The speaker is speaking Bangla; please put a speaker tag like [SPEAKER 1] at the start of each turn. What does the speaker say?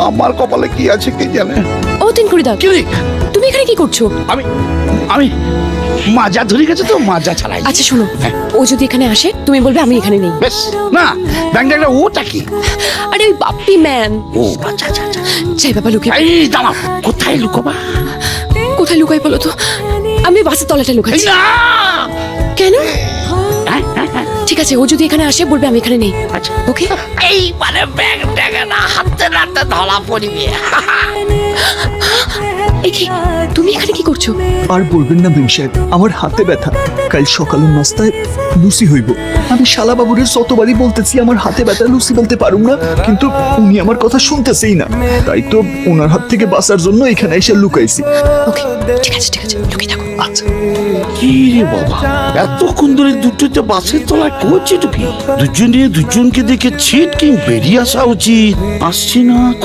[SPEAKER 1] আমার কপালে কি আছে কে জানে।
[SPEAKER 2] ও তিনকুড়িদা,
[SPEAKER 1] কি রে?
[SPEAKER 2] তুমি এখানে কি করছো?
[SPEAKER 1] আমি আমি মাজা ধরে গেছে তো, মাজা ছাড়াই।
[SPEAKER 2] আচ্ছা শোনো, ও যদি এখানে আসে তুমি বলবে আমি এখানে নেই।
[SPEAKER 1] বেশ না, ব্যাংক ওটা কি?
[SPEAKER 2] আরে ওই বাপ্পি ম্যান।
[SPEAKER 1] ও আচ্ছা আচ্ছা আচ্ছা।
[SPEAKER 2] যাই বাবা লুকিয়ে।
[SPEAKER 1] এই দাঁড়াও, কোথায় লুকোবা?
[SPEAKER 2] কোথায় লুকাই বলো তো? আমি বাসের তলাটা লুকাচ্ছি।
[SPEAKER 1] না
[SPEAKER 2] কেন? ঠিক আছে, ও যদি এখানে আসে বলবে আমি এখানে নেই।
[SPEAKER 1] আচ্ছা
[SPEAKER 2] ওকে?
[SPEAKER 1] এই মানে ব্যাংকটাকে না হাতে নাতে ধরা পড়িবে।
[SPEAKER 2] এই কি, তুমি এখানে কি করছো?
[SPEAKER 3] আর বলবেন না বেন সাহেব, আমার হাতে ব্যথা। কাল সকালের নাস্তায় লুচি হইব। আমি শালা বাবুরের যতবারই বলতেছি আমার হাতে ব্যথা, লুচি বলতে পারুম না, কিন্তু উনি আমার কথা শুনতেছেই না। তাই তো ওনার হাত থেকে বাঁচার জন্য এখানে এসে লুকাইছি।
[SPEAKER 2] ওকে, ঠিক আছে লুকিয়ে থাকো।
[SPEAKER 3] আচ্ছা।
[SPEAKER 1] কি রে বাবা, এতক্ষণ ধরে দুটোতে বাসের তলায় করছে টুকি? দুজনে দুজনকে দেখে ছিটকিং বেরিয়ে আসা উচিত। আসছে না।